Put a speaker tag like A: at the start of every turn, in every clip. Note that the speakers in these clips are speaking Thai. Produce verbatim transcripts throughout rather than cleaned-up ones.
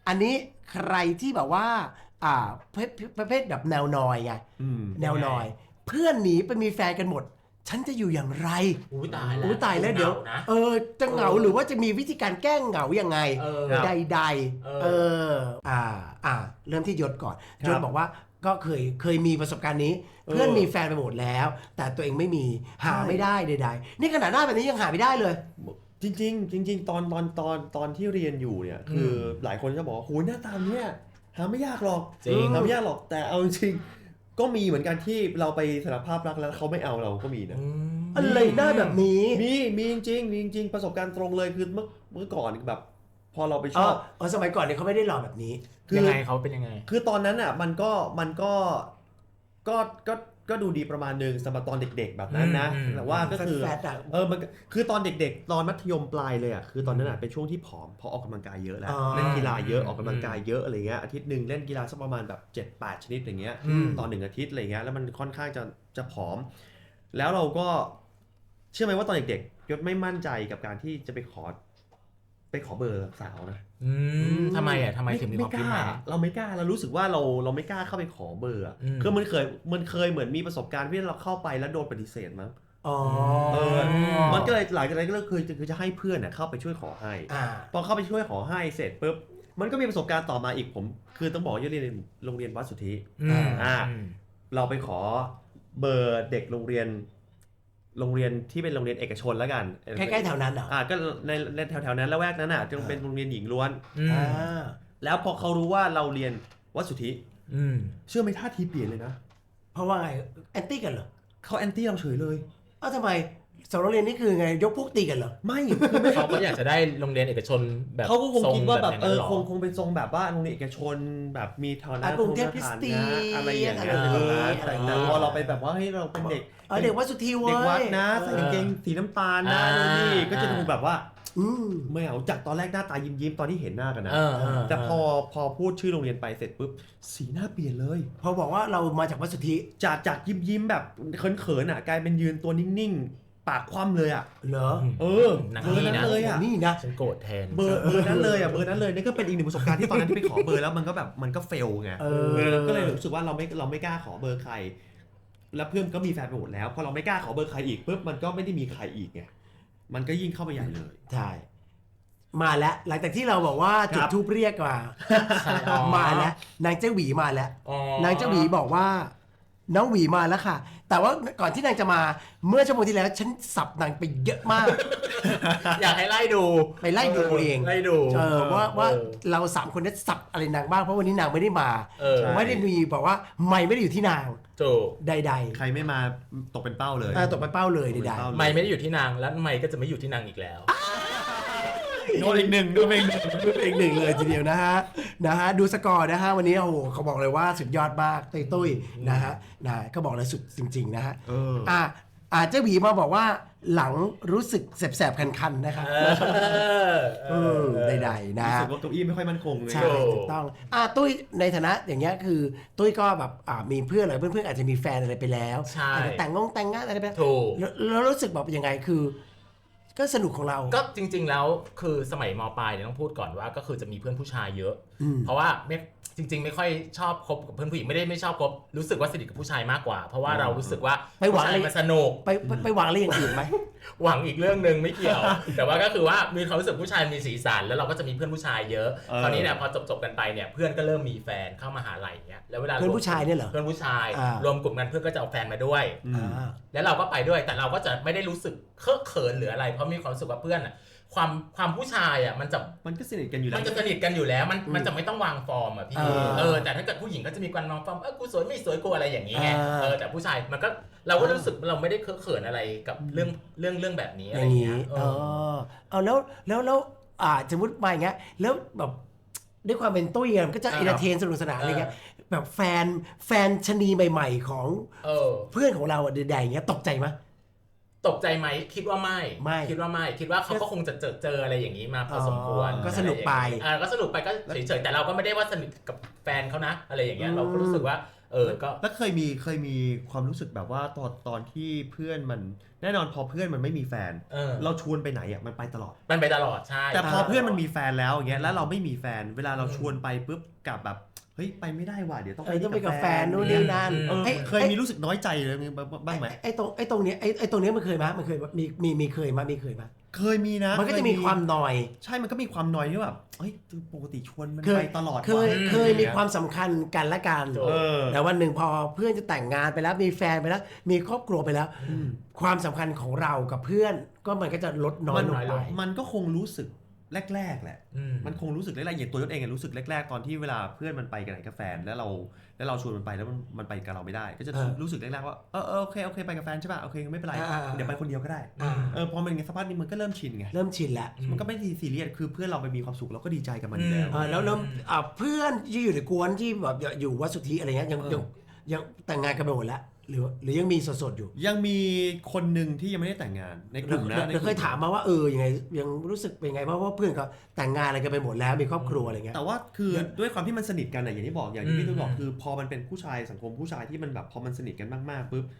A: อันนี้ใครที่แบบว่าอ่าประเภทแบบแนวนอยไงแนวนอยเพื่อนหนีไปมีแฟนกันหมดฉันจะอยู่อย่างไร
B: อุ้ยตายแล้ว
A: อุ้ยตายแล้วเดี๋ยวเออจะเหงาหรือว่าจะมีวิธีการแก้เหงายังไงใดๆเอออ่าอ่าเริ่มที่ยศก่อนยศบอกว่าก็เคยเคยมีประสบการณ์นี้เพื่อนมีแฟนไปหมดแล้วแต่ตัวเองไม่มีหาไม่ได้ใดๆนี่ขนาดหน้าแบบนี้ยังหาไม่ได้เลย
C: จริงๆจริงๆตอนตอนตอนตอนที่เรียนอยู่เนี่ยคือหลายคนจะบอกโหหน้าตาเนี้ยหาไม่ยากหรอกจริงหาไม่ยากหรอกแต่เอาจริงก็มีเหมือนกันที่เราไปสารภาพรักแล้วเขาไม่เอาเราก็มีนะ
A: อะไรหน้าแบบนี้
C: มีมีจริงมีจริงประสบการณ์ตรงเลยคือเมื่อเมื่อก่อนแบบพอเราไปชอบ
A: อ๋อสมัยก่อนเนี่ยเขาไม่ได้หล่อแบบนี้
B: ยังไงเขาเป็นยังไง
C: คือตอนนั้นอ่ะมันก็มันก็ก็ก็ก็ดูดีประมาณนึงสำหรับตอนเด็กๆแบบนั้นนะแต่ว่าก็คือเออมันคือตอนเด็กๆตอนมัธยมปลายเลยอ่ะคือตอนนั้นอ่ะเป็นช่วงที่ผอมพอออกกำลังกายเยอะแล้วเล่นกีฬาเยอะออกกำลังกายเยอะอะไรเงี้ยอาทิตย์นึงเล่นกีฬาสักประมาณแบบ เจ็ดแปด ชนิดอย่างเงี้ยตอนหนึ่งอาทิตย์อะไรเงี้ยแล้วมันค่อนข้างจะจะผอมแล้วเราก็เชื่อไหมว่าตอนเด็กๆยศไม่มั่นใจกับการที่จะไปขอไปขอเบอร์สาวนะ
B: อืมทำไมอ่ะทำไมถึงมีความคิดมา
C: เราไม่กล้าเรารู้สึกว่าเราเราไม่กล้าเข้าไปขอเบอร์คือมันเคยมันเคยเหมือนมีประสบการณ์ที่เราเข้าไปแล้วโดนปฏิเสธมั้งอ๋อเออมันก็เลยหลังจากนั้นก็เลยคือคือจะให้เพื่อนเข้าไปช่วยขอให้พอเข้าไปช่วยขอให้เสร็จปุ๊บมันก็มีประสบการณ์ต่อมาอีกผมคือต้องบอกว่าเรียนโรงเรียนวัดสุทธิอ่าเราไปขอเบอร์เด็กโรงเรียนโรงเรียนที่เป็นโรงเรียนเอกชนแล้วกัน
A: ใกล้ๆแถวนั้นเหรอ
C: อ่าก็ในในแถวๆนั้นละแวกนั้นอ่ะจึงเป็นโรงเรียนหญิงล้วนอ่าแล้วพอเขารู้ว่าเราเรียนวัดสุทธิเชื่อไหมท่าทีเปลี่ยนเลยนะ
A: เพราะว่าไงแอนตี้กันเหรอ
C: เขาแอนตี้เราเฉยเลย
A: อ้าวทำไมสองโรงเรียนนี่คือไงยกพวกตีกันเหรอ
C: ไม่
B: เขาก็อยากจะได้โรงเรียนเอกชนแบบ
C: เขาก็คงคิดว่าแบบเออคงคงเป็นทรงแบบว่าโรงเรียนเอกชนแบบมีฐานะ
A: กรุงเทพคริสเตียน
C: อะไรอย่างเงี้ยแต่พอเราไปแบบว่าให้เราเป็นเด็ก
A: เด็กวัดสุทธิเว้ย
C: เด็กวัดนะใส่กางเกงสีน้ำตาลนะนี่ก็จะดูแบบว่าไม่เอาจากตอนแรกหน้าตายิ้มยิ้มตอนที่เห็นหน้ากันนะแต่พอพอพูดชื่อโรงเรียนไปเสร็จปุ๊บสีหน้าเปลี่ยนเลย
A: พอบอกว่าเรามาจากวัดสุทธิ
C: จากจากยิ้มยิ้มแบบเขินๆอ่ะกลายเป็นยืนตัวนิ่งๆปากคว่ำเลยอ่ะ
A: เหรอ
C: เออเบอร์นั้นเลยอ่ะ
A: นี่นะ
B: ฉันโกรธแทน
C: เบอร์เบอร์นั้นเลยอ่ะเบอร์นั้นเลยนี่ก็เป็นอีกหนึ่งประสบการณ์ที่ตอนนั้นที่ไปขอเบอร์แล้วมันก็แบบมันก็เฟลไงก็เลยรู้สึกว่าเราไม่เราไม่กล้าขอเบอร์ใครแล้วเพื่อนก็มีแฟนไปหมดแล้วพอเราไม่กล้าขอเบอร์ใครอีกปุ๊บมันก็ไม่ได้มีใครอีกไงมันก็ยิ่งเข้าไปใหญ่เลย
A: ใช่มาแล้วหลังจากที่เราบอกว่าจุดทูปเรียกมามาแล้วนางเจ้าหวีมาแล้วนางเจ้าหวีบอกว่าน้องหวีมาแล้วค่ะแต่ว่าก่อนที่นางจะมาเมื่อชั่วโมงที่แล้วฉันสับนางไปเยอะมาก
B: อยากให้ไล่ดู
A: ไปไล่ดูเอง
B: ไล่ดู
A: เออว่าว่าเราสามคนนี้สับอะไรนางบ้างเพราะวันนี้นางไม่ได้มาไม่ได้มีบอกว่าไม่ไม่ได้อยู่ที่นางใด
C: ๆใครไม่มาตกเป็นเป้าเลย
A: ตกเป็นเป้าเลยใด
B: ๆไม่ไม่ได้อยู่ที่นางแล้วไม่ก็จะไม่อยู่ที่นางอีกแล้ว
C: โดนอีกหนึ่งดูเอง
A: ดูเองหนึ่งเลยทีเดียวนะฮะนะฮะดูสกอร์นะฮะวันนี้โอ้โหเขาบอกเลยว่าสุดยอดมากตุ้ยตุ้ยนะฮะนะก็บอกเลยสุดจริงๆนะฮะอ่าอาเจ้าหวีมาบอกว่าหลังรู้สึกแสบๆคันๆนะครับเออใดๆนะ
C: รู้สึกว่าเก้าอี้ไม่ค่อยมั่นคงเลย
A: ใช่ถูกต้องอ่าตุ้ยในฐานะอย่างเงี้ยคือตุ้ยก็แบบอ่ามีเพื่อนอะไรเพื่อนๆอาจจะมีแฟนอะไรไปแล้วอาจจะแต่งงงแต่งงานอะไรไปแล้วรู้สึกแบบยังไงคือก็สนุกของเรา
B: ก็จริงๆแล้วคือสมัยม.ปลายเนี่ยต้องพูดก่อนว่าก็คือจะมีเพื่อนผู้ชายเยอะเพราะว่าไม่จริงๆไม่ค่อยชอบคบกับเพื่อนผู้หญิงไม่ได้ไม่ชอบคบรู้สึกว่าสนิทกับผู้ชายมากกว่าเพราะว่าเรารู้สึกว่า
A: ไปหวังอะไร
B: มันสนุก
A: ไปไปหวังอะไรอย่างอื่นไหม
B: หวังอีกเรื่องนึงไม่เกี่ยวแต่ว่าก็คือว่ามีความรู้สึกผู้ชายมีสีสันแล้วเราก็จะมีเพื่อนผู้ชายเยอะคราวนี้เนี่ยพอจบๆกันไปเนี่ยเพื่อนก็เริ่มมีแฟนเข้ามหาลัยเงี้ยแล้วเวลา
A: เพื่อนผู้ชายเนี่ยเหรอ
B: เพื่อนผู้ชายรวมกลุ่มกันเพื่อนก็จะเอาแฟนมาด้วยแล้วเราก็ไปด้วยแต่เราก็จะไม่ได้รู้สึกเคอะเขินหรืออะไรเพราะมีความรู้สึกว่าเพื่อนอ่ะความความผู้ชายอ่ะมันจะ
C: มันก็สนิทกันอยู่แล้ว
B: มันจะสนิทกันอยู่แล้วมันมันจะไม่ต้องวางฟอร์มอ่ะพี่เออแต่ถ้าเกิดผู้หญิงก็จะมีการวางฟอร์มเออกูสวยไม่สวยกูอะไรอย่างนี้ไงเออแต่ผู้ชายมันก็เราก็รู้สึกเราไม่ได้เคอะเขินอะไรกับเรื่องเรื่องเรื่องแบบนี้อะไรอย่างเงี้ย
A: เออเอาแล้วแล้วแล้วอ่าสมมติมาอย่างเงี้ยแล้วแบบด้วยความเป็นตุ้ยมันก็จะเอนเตอร์เทนสนุกสนานอะไรเงี้ยแบบแฟนแฟนชนีใหม่ๆของเพื่อนของเราใดๆเงี้ยตกใจไหม
B: ตกใจไหมคิดว่าไม่ไม่คิดว่าไม่คิดว่าเขาก็คงจะเจอเจออะไรอย่างนี้มาพอสมควร
A: ก็สนุกไป
B: อ่าก็สนุกไปก็เฉยๆแต่เราก็ไม่ได้ว่าสนิทกับแฟนเขานะอะไรอย่างเงี้ยเราก็รู้สึกว่าเออก็
C: แล้วเคยมีเคยมีความรู้สึกแบบว่าตอนตอนที่เพื่อนมันแน่นอนพอเพื่อนมันไม่มีแฟน
B: เออ
C: เราชวนไปไหนอ่ะมันไปตลอด
B: มันไปตลอดใช่
C: แต่พอเพื่อนมันมีแฟนแล้วอย่างเงี้ยแล้วเราไม่มีแฟนเวลาเราชวนไปปุ๊บกลับแบบเฮ้ยไปไม่ได้ว่ะเดี๋ยวต้อง
A: เออต้องไปกับแฟนนู่นนี่นั่น
C: เออเคยมีรู้สึกน้อยใจเลยบ้างไหม
A: ไอ้ตรงไอ้ตรงเนี้ยไอ้ไอ้ตรงเนี้ยมันเคยมั้ยมันเคยมีมีมีเคยมั้ยมีเคยมั้ย
C: เคยมีนะ
A: มันก็จะมีความนอย
C: ใช่มันก็มีความนอยที่แบบเฮ้ยปกติชวนมันไปตลอด
A: เคยเคยมีความสำคัญกันและกันแต่วันหนึ่งพอเพื่อนจะแต่งงานไปแล้วมีแฟนไปแล้วมีครอบครัวไปแล้วความสำคัญของเรากับเพื่อนก็มันก็จะลดน้อยลงไป
C: มันก็คงรู้สึกแรกๆแหละมันคงรู้สึกแรกๆอย่างตัวยศเองรู้สึกแรกๆตอนที่เวลาเพื่อนมันไปกันไหนกับแฟนแล้วเราแล้วเราชวนมันไปแล้วมันมันไปกับเราไม่ได้ก็จะรู้สึกแรกๆว่าเออโอเคโอเคไปกับแฟนใช่ป่ะโอเคไม่เป็นไรเดี๋ยวไปคนเดียวก็ได้เออพอมันไงสักพักนึงมันก็เริ่มชินไง
A: เริ่มชินแล้ว
C: มันก็ไม่ได้ซีเรียสคือเพื่อนเราไปมีความสุขเราก็ดีใจกับมันแล้ว
A: แล้วแล้วเพื่อนที่อยู่ในกวนที่แบบอยู่วัดสุทธิอะไรเงี้ยยังยังแต่งงานกันไปหมดแล้วหรือหรือยังมีสดๆอยู่
C: ยังมีคนหนึ่งที่ยังไม่ได้แต่งงานในกลุ่มนะ
A: เดี๋ยวเคยถามมาว่าเออยังไงยังรู้สึกเป็นไงเพราะว่าเพื่อนเขาแต่งงานอะไรกันไปหมดแล้วมีครอบครัวอะไรเงี้ย
C: แต่ว่าคือด้วยความที่มันสนิทกันอย่างที่บอกอย่างที่พี่ตุ้ยบอกคือพอมันเป็นผู้ชายสังคมผู้ชายที่มันแบบพอมันสนิทกันมากๆปุ๊บ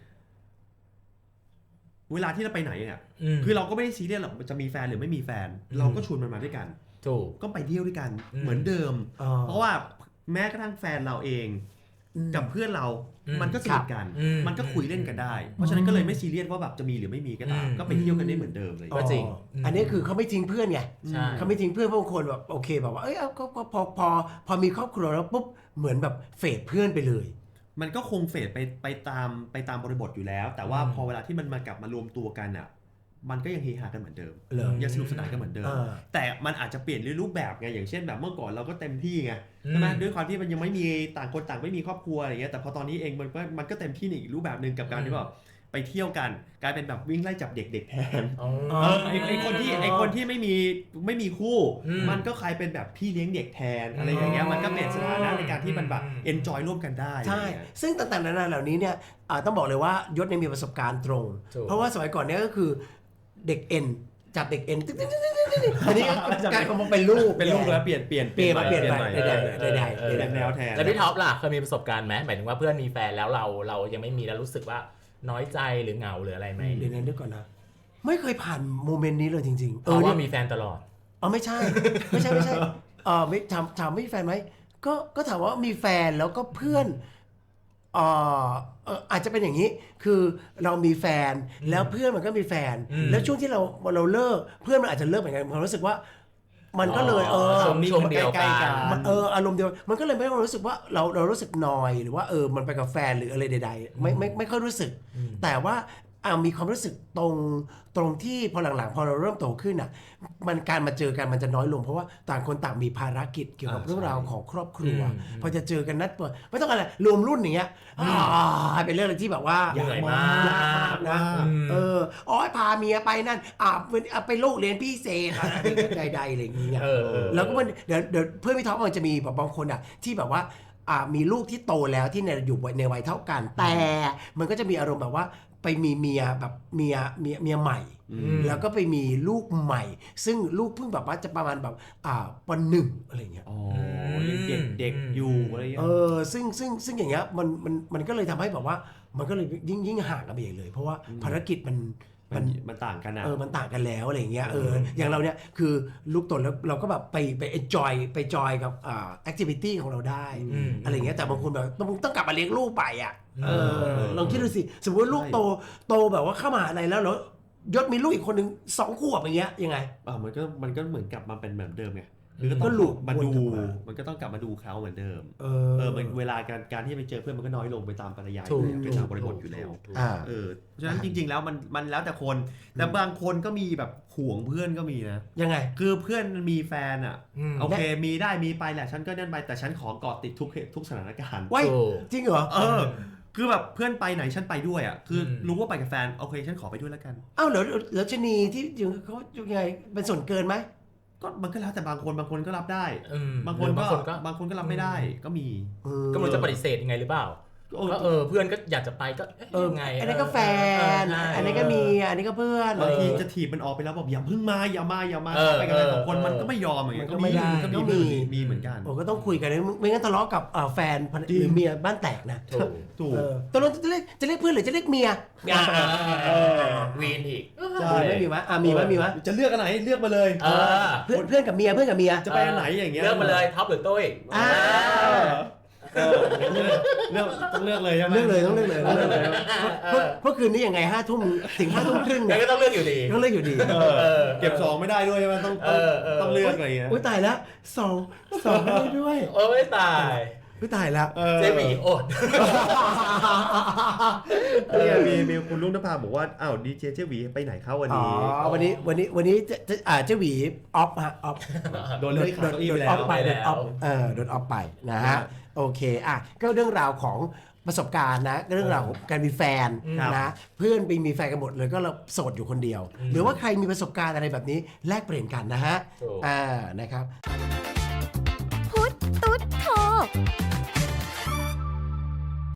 C: เวลาที่เราไปไหนอ่ะคือเราก็ไม่ได้ซีเรียสหรอกจะมีแฟนหรือไม่มีแฟนเราก็ชวนมันมาด้วยกัน
B: ถูก
C: ก็ไปเที่ยวด้วยกันเหมือนเดิมเพราะว่าแม้กระทั่งแฟนเราเองกับเพื่อนเรามันก็สนิทกันมันก็คุยเล่นกันได้เพราะฉะนั้นก็เลยไม่ซีเรียสว่าแบบจะมีหรือไม่มีก็ตามก็ไปเที่ยวกันได้เหมือนเดิมเลย
B: ก็จริง
A: อันนี้คือเขาไม่ทิ้งเพื่อนไงเขาไม่ทิ้งเพื่อนเพราะบางคนแบบโอเคแบบว่าเอ้ยก็พอพอพอมีครอบครัวแล้วปุ๊บเหมือนแบบเฟดเพื่อนไปเลย
C: มันก็คงเฟดไปไปตามไปตามบริบทอยู่แล้วแต่ว่าพอเวลาที่มันมากลับมารวมตัวกันอ่ะมันก็ยังเฮฮากันเหมือนเดิมยังสนุกสนานกันเหมือนเดิมแต่มันอาจจะเปลี่ยนรูปแบบไงอย่างเช่นแบบเมื่อก่อนเราก็เต็มที่ไงใช่ไหมด้วยความที่มันยังไม่มีต่างคนต่างไม่มีครอบครัวอะไรเงี้ยแต่พอตอนนี้เองมันก็มันก็เต็มที่ในอีกรูปแบบนึงกับการที่แบบไปเที่ยวกันกลายเป็นแบบวิ่งไล่จับเด็กๆแทนไอ้คนที่ไอ้คนที่ไม่มีไม่มีคู่มันก็กลายเป็นแบบพี่เลี้ยงเด็กแทนอะไรอย่างเงี้ยมันก็เปลี่ยนสถานะในการที่มันแบบเอนจอยร่วมกันได้
A: ใช่ซึ่งต่างๆนานาเหล่านี้เนี่ยต้องบอกเลยว่ายศเนี่ยมีประสบการณ์ตรงเพราะว่าสมัยก่อนเนี่ยก็คือเด็กเอ็นจับเด็กเอ็นตึ๊ดตึ๊ดตึ๊ดตึ๊ดตึ๊ดอันนี้กลายมาเป็นลูก
C: เป็นลูกแล้วเปลี่ยนเปลี่ยน
A: เปลี่ยนมาเปลี่ยนไปได้ได้ได้
C: ได้แนวแทน
B: แล้วพี่ท็อปล่ะเคยมีประสบการณ์ไหมหมายถึงว่าเพื่อนมีแฟนแล้วเราเรายังไม่มีแล้วรู้สึกว่าน้อยใจหรือเหงาหรืออะไรไหม
A: เดี๋ยวนั้นด้วยก่อนนะไม่เคยผ่านโมเมนต์นี้เลยจริงๆ
B: เพราะว่ามีแฟนตลอด
A: อ๋อไม่ใช่ไม่ใช่ไม่ใช่เออไม่ถามถามไม่มีแฟนไหมก็ก็ถามว่ามีแฟนแล้วก็เพื่อนอ่าอาจจะเป็นอย่างนี้คือเรามีแฟนแล้วเพื่อนมันก็มีแฟนแล้วช่วงที่เราเราเลิกเพื่อนมันอาจจะเลิกเหมือนกันผมรู้สึกว่ามันก็เลยเออ
B: ช่วงเดียวกัน
A: เอออารมณ์เดียวมันก็เลยไม่รู้สึกว่าเราเรารู้สึกนอยหรือว่าเออมันไปกับแฟนหรืออะไรใดๆไม่ไม่ไม่ค่อยรู้สึกแต่ว่าอ่ามีความรู้สึกตรงตรงที่พอหลังๆพอเราเริ่มโตขึ้นอ่ะมันการมาเจอกันมันจะน้อยลงเพราะว่าต่างคนต่างมีภารกิจเกี่ยวกับเรื่องราวของครอบครัวพอจะเจอกันนัดเปิดไม่ต้องอะไรรวมรุ่นอย่างเงี้ยเป็นเรื่องที่แบบว่า
B: ใหญ่มาก
A: นะเอออ๋อพาเมียไปนั่นอ่าไปลูกเรียนพิเศษใดๆอะไรอย่างเงี้ยแล้วก็มันเดี๋ยวเดี๋ยวเพื่อนพี่ท็อปมันจะมีแบบบางคนอ่ะที่แบบว่าอ่ามีลูกที่โตแล้วที่ในอยู่ในวัยเท่ากันแต่มันก็จะมีอารมณ์แบบว่าไปมีเมียแบบเมียเมียเมียใหม่แล้วก็ไปมีลูกใหม่ซึ่งลูกเพิ่งแบบว่าจะประมาณแบบอ่าปหนึ่งอะไรเงี้ย
C: อ๋อเด็กเด็กอยู่อะไรเงี้ย
A: เออซึ่งซึ่งซึ่งอย่างเงี้ยมันมันมันก็เลยทำให้แบบว่ามันก็เลยยิ่งยิ่งห่างกันไปเลยเพราะว่าภารกิจมัน
C: มันมันต่างกันนะ
A: เออมันต่างกันแล้วอะไรเงี้ยเอออย่างเราเนี่ยคือลูกโตแล้วเราก็แบบไปไป enjoy ไปจอยกับอ่า activity ของเราได้อะไรเงี้ยแต่บางคนแบบต้องต้องกลับมาเลี้ยงลูกไปอ่ะเออลองคิดดูสิสมมติว่าลูกโตโตแบบว่าเข้ามหาลัยแล้วแล้วยศมีลูกอีกคนนึงสองขวบอย่างเงี้ยยังไง
C: อ่ามันก็มันก็เหมือนกลับมาเป็นเหมือนเดิมไงคือก็หลุดมาดูมันก็ต้องกลับมาดูเขาเหมือนเดิมเออเออมันเวลาการการที่ไปเจอเพื่อนมันก็น้อยลงไปตามปริยายไปตามบริบทอยู่แล้วเออเพราะฉะนั้นจริงๆแล้วมันมันแล้วแต่คนแต่บางคนก็มีแบบห่วงเพื่อนก็มีนะ
A: ยังไง
C: คือเพื่อนมีแฟนอ่ะโอเคมีได้มีไปแหละฉันก็นั่นไปแต่ฉันขอเกาะติดทุกทุกสถานการณ์
A: ว้ายจริงเหรอ
C: เออคือแบบเพื่อนไปไหนฉันไปด้วยอ่ะคือรู้ว่าไปกับแฟนโอเคฉันขอไปด้วยแล้วกัน
A: อ้าวแล้วแล้วชนีที่อยู่เขายังไงเป็นส่วนเกินไหม
C: ก็มันก็แล้วแต่บางคนบางคนก็รับได้บางคนก็บางคนก็รับไม่ได้ก็มี
B: ก็มันจะปฏิเสธยังไงหรือเปล่าก็เออเพื่อนก็อยากจะไปก็
A: เออ
B: ไง
A: อันนี้ก็แฟน
B: เออใช่
A: อันนี้ก็เมียอันนี้ก็เพื่อน
C: บางที
A: เออ
C: จะถีบมันออกไปแล้วบอกอย่าเพิ่งมาอย่ามาอย่ามา
B: เออ
C: ไปกันเลย
B: เออ
C: สองคน
B: เออ
C: มันก็ไม่ยอมอย่างเงี้ย
A: มันก็ไม่ได้
C: ก็มี
A: ก็
C: มี
A: มี
C: มีเหมือนกัน
A: โอ้ก็ต้องคุยกันนะไม่งั้นทะเลาะกับเอ่อแฟนภรร
C: จริง
A: หรือเมียบ้านแตกนะ
B: ถูก
C: ถูก
A: เออตกลงจะเรียกจะเรียกเพื่อนหรือจะเรียกเมีย
B: อ่า
C: เออ
B: วีนอีก
C: ใช่
A: มีไหมมีไหมอ่ะมีไหมมีไหม
C: จะเลือกอันไหนเลือกมาเลย
B: เออ
A: เพื่อนเพื่อนกับเมียเพื่อนกับเมีย
C: จะไปอันไหนอย่างเงี้ย
B: เลือกมาเลยท็อปหรือตุ้ย
A: อ่า
C: เออเลือกต้องเลือกเลยใช่ไหม
A: เลือกเลยต้องเลือกเลยต้องเลือกเลย
B: เอ
A: เพราะ
B: อ
A: เพราะคืนนี้ยังไงห้าทุ่มถึงห้าทุ่มครึ่ง
B: งั้
A: เนี่ย
B: นก็ต้องเลือกอยู่ดี
A: ต้องเลือกอยู่ดี
C: เออ
B: เออ
C: เก็บสองไม่ได้ด้วยใช่ไหมต้อง
B: เออเออ
C: ต้องเลือกอะไรอย่างเงี้ย
A: อุ้ยตายแล้วสองสองไม่ได้ด้วย
B: โอ้ยตาย
A: อุ้ยตายแล้ว
C: เออ
B: เจหมีอด
C: เนี่ยมีมีคุณลุงนภาบอกว่าอ้าวดีเจเจหวีไปไหนเข้าวัน
A: อ๋อ
C: นี้
A: วันนี้วันนี้วันนี้จะจะอ่าเจ้าหวีออฟฮะออฟ
C: โดนเลื่อนขา
A: โด
C: เก้าน อี้
A: โด
C: ไป
A: น
C: แล้
A: ออ
C: ว
A: ฟไปโดนออฟ
B: ไปแล้ว
A: เออโดนออฟไปนะ
C: ครั
A: ฮะ
C: บ
A: โอเคอ่ะก็เรื่องราวของประสบการณ์นะเรื่องราวของการมีแฟน
C: ครับ
A: นะเพื่อนไปมีแฟนกันหมดเลยก็เราโสดอยู่คนเดียว
B: อืม
A: หรือว่าใครมีประสบการณ์อะไรแบบนี้แลกเปลี่ยนกันนะฮะ
B: ถูก
A: อ่านะครับ
D: พุทธตุ๊ดโท